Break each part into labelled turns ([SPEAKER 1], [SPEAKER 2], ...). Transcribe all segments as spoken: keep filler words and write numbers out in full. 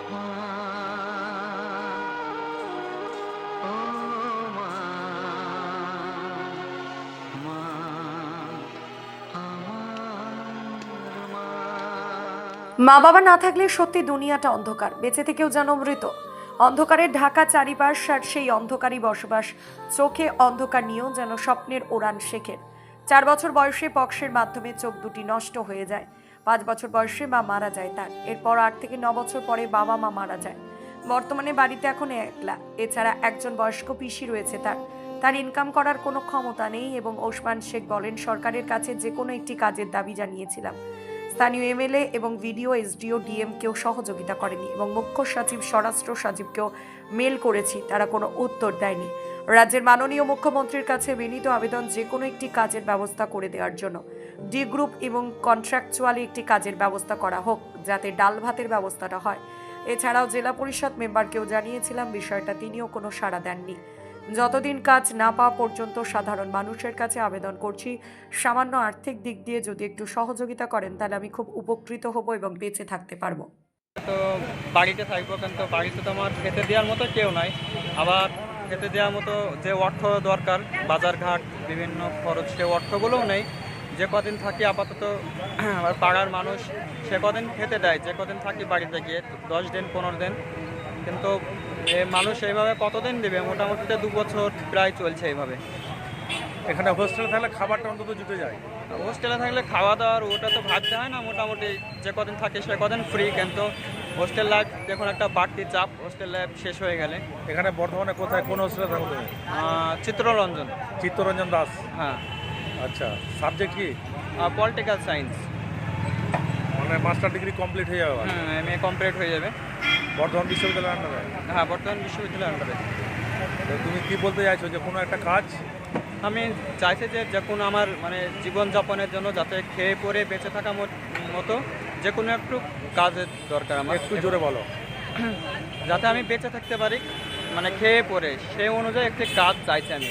[SPEAKER 1] মা, ও মা, মা, আমার মা।
[SPEAKER 2] মা বাবা না থাকলে সত্যি দুনিয়াটা অন্ধকার, বেঁচে থেকেও যেন মৃত। অন্ধকারের ঢাকা চারিপাশ, আর সেই অন্ধকারই বসবাস। চোখে অন্ধকার নিয়েও যেন স্বপ্নের ওড়ান শেখের। চার বছর বয়সে পক্সের মাধ্যমে চোখ দুটি নষ্ট হয়ে যায়। পাঁচ বছর বয়সে মা মারা যায় তার। এরপর আট থেকে ন বছর পরে বাবা মা মারা যায়। বর্তমানে বাড়িতে এখন একলা। এছাড়া একজন বয়স্ক পিসি রয়েছে তার। তার ইনকাম করার কোনো ক্ষমতা নেই এবং ওসমান শেখ বলেন, সরকারের কাছে যে কোনো একটি কাজের দাবি জানিয়েছিলাম। স্থানীয় এমএলএ এবং ভিডিও এসডিও ডিএম কেও সহযোগিতা করেনি এবং মুখ্য সচিব স্বরাষ্ট্র সচিবকেও মেল করেছি, তারা কোনো উত্তর দেয়নি। রাজ্যের মাননীয় মুখ্যমন্ত্রীর কাছে বিনীত আবেদন, যে কোনো একটি কাজের ব্যবস্থা করে দেওয়ার জন্য। ডি গ্রুপ এবং কন্ট্রাকচুয়ালি একটি কাজের ব্যবস্থা করা হোক, যাতে ডাল ভাতের ব্যবস্থাটা হয়। এছাড়াও জেলা পরিষদ মেম্বারকেও জানিয়েছিলাম বিষয়টা, তিনিও কোনো সাড়া দেননি। যতদিন কাজ না পাওয়া পর্যন্ত সাধারণ মানুষের কাছে আবেদন করছি, সামান্য আর্থিক দিক দিয়ে যদি একটু সহযোগিতা করেন তাহলে আমি খুব উপকৃত হব এবং বেঁচে থাকতে পারবো।
[SPEAKER 3] তো বাড়িতে থাকবো, কিন্তু বাড়িতে তো আমার খেতে দেওয়ার মতো কেউ নাই। আবার খেতে দেওয়ার মতো যে অর্থ দরকার, বাজারঘাট বিভিন্ন খরচ, সে অর্থগুলোও নেই। যে কদিন থাকি আপাতত আবার পাড়ার মানুষ সে কদিন খেতে দেয়, যে কদিন থাকি বাড়িতে গিয়ে দশ দিন পনেরো দিন, কিন্তু এ মানুষ এইভাবে কতদিন দেবে? মোটামুটি দু বছর প্রায় চলছে এইভাবে।
[SPEAKER 4] এখানে হোস্টেলে থাকলে খাবারটা অন্তত জুটে যায়।
[SPEAKER 3] হোস্টেলে থাকলে খাওয়া দাওয়ার ওটা তো ভাবতে হয় না, মোটামুটি যে কদিন থাকে সে কদিন ফ্রি। কিন্তু হোস্টেল লাইফ দেখুন একটা বাড়তি চাপ, হোস্টেল লাইফ শেষ হয়ে গেলে।
[SPEAKER 4] এখানে বর্ধমানে কোথায় কোন হোস্টেলে থাকো তুমি?
[SPEAKER 3] আহ, চিত্ররঞ্জন।
[SPEAKER 4] চিত্তরঞ্জন দাস।
[SPEAKER 3] হ্যাঁ।
[SPEAKER 4] আচ্ছা, সাবজেক্ট কি?
[SPEAKER 3] Political science.
[SPEAKER 4] মানে মাস্টার ডিগ্রি কমপ্লিট হয়ে যাবে?
[SPEAKER 3] হ্যাঁ, এম এ কমপ্লিট হয়ে যাবে।
[SPEAKER 4] বর্ধমান বিশ্ববিদ্যালয়ের আন্ডারে?
[SPEAKER 3] হ্যাঁ, বর্তমান বিশ্ববিদ্যালয়ের আন্ডারে।
[SPEAKER 4] তো তুমি কি বলতে চাইছো, যে কোনো একটা কাজ?
[SPEAKER 3] আমি চাইছি যে যে কোনো আমার মানে জীবনযাপনের জন্য যাতে খেয়ে পরে বেঁচে থাকা মত- মতো যে কোনো একটু কাজের দরকার আমার।
[SPEAKER 4] একটু জোরে বলো।
[SPEAKER 3] যাতে আমি বেঁচে থাকতে পারি, মানে খেয়ে পরে সেই অনুযায়ী একটি কাজ চাইছি আমি।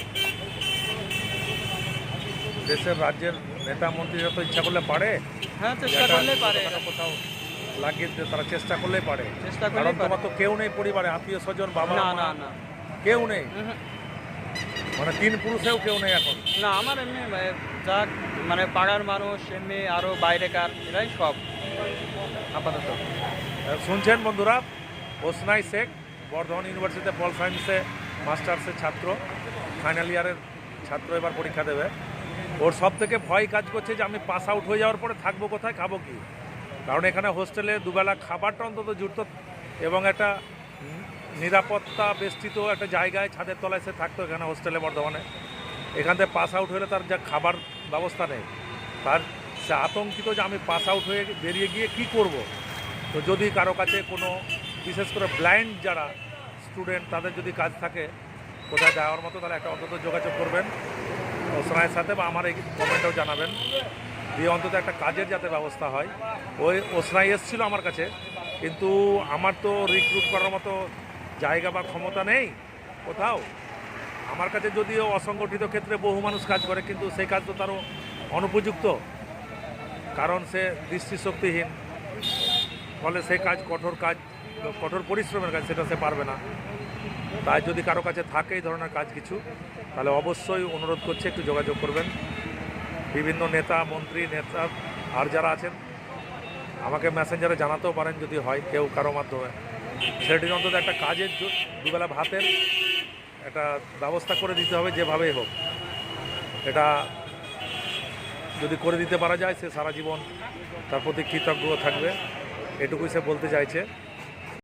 [SPEAKER 4] দেশের রাজ্যের নেতা মন্ত্রীরা তো ইচ্ছা করলে পারে।
[SPEAKER 3] হ্যাঁ, চেষ্টা করলেই পারে।
[SPEAKER 4] ছোটখাটো কোথাও লাগিয়ে দিতে তারা চেষ্টা করলেই পারে।
[SPEAKER 3] চেষ্টা
[SPEAKER 4] কারণ
[SPEAKER 3] করলেই পারে।
[SPEAKER 4] তোমার তো কেউ নেই পরিবারে, আত্মীয় স্বজন, বাবা
[SPEAKER 3] না
[SPEAKER 4] মা
[SPEAKER 3] না না
[SPEAKER 4] কেউ নেই।
[SPEAKER 3] উহুম।
[SPEAKER 4] মানে তিন পুরুষেও কেউ নেই এখন।
[SPEAKER 3] না, আমার এমনি এ, যা মানে পাড়ার মানুষ, এমনি আরও বাইরেকার, এরাই সব আপাতত।
[SPEAKER 4] আহ, শুনছেন বন্ধুরা, ওসনাই শেখ বর্ধমান ইউনিভার্সিটিতে পল সায়েন্সে মাস্টার্সের ছাত্র, ফাইনাল ইয়ারের ছাত্র, এবার পরীক্ষা দেবে। ওর সব থেকে ভয় কাজ করছে যে আমি পাস আউট হয়ে যাওয়ার পরে থাকবো কোথায়, খাবো কি। কারণ এখানে হোস্টেলে দুবেলা খাবারটা অন্তত জুটত এবং একটা উম, নিরাপত্তা বেষ্টিত একটা জায়গায় ছাদের তলায় সে থাকতো এখানে হোস্টেলে বর্ধমানে। এখান থেকে পাস আউট হলে তার যা খাবার ব্যবস্থা নেই, তার সে আতঙ্কিত যে আমি পাস আউট হয়ে বেরিয়ে গিয়ে কি করব। তো যদি কারো কাছে কোনো, বিশেষ করে ব্লাইন্ড যারা স্টুডেন্ট, তাদের যদি কাজ থাকে কোথায় যাওয়ার মতো, তাহলে একটা অন্তত যোগাযোগ করবেন ওসনাইয়ের সাথে, বা আমার এই কমেন্টেও জানাবেন, দিয়ে অন্তত একটা কাজের যাতে ব্যবস্থা হয়। ওই ওসনাই এসেছিল আমার কাছে, কিন্তু আমার তো রিক্রুট করার মতো জায়গা বা ক্ষমতা নেই কোথাও। আমার কাছে যদিও অসংগঠিত ক্ষেত্রে বহু মানুষ কাজ করে, কিন্তু সেই কাজ তো তারও অনুপযুক্ত, কারণ সে দৃষ্টিশক্তিহীন। ফলে সেই কাজ কঠোর কাজ, কঠোর পরিশ্রমের কাজ, সেটা সে পারবে না। তাই যদি কারো কাছে থাকে এই ধরনের কাজ কিছু, তাহলে অবশ্যই অনুরোধ করছে একটু যোগাযোগ করবেন। বিভিন্ন নেতা মন্ত্রী নেতা আর যারা আছেন আমাকে মেসেঞ্জারে জানাতেও পারেন যদি হয় কেউ কারো মাধ্যমে। সেটির অন্তত একটা কাজের জো- দুবেলা ভাতের একটা ব্যবস্থা করে দিতে হবে, যেভাবেই হোক। এটা যদি করে দিতে পারা যায়, সে সারা জীবন তার প্রতি কৃতজ্ঞ থাকবে, এটুকুই সে বলতে চাইছে।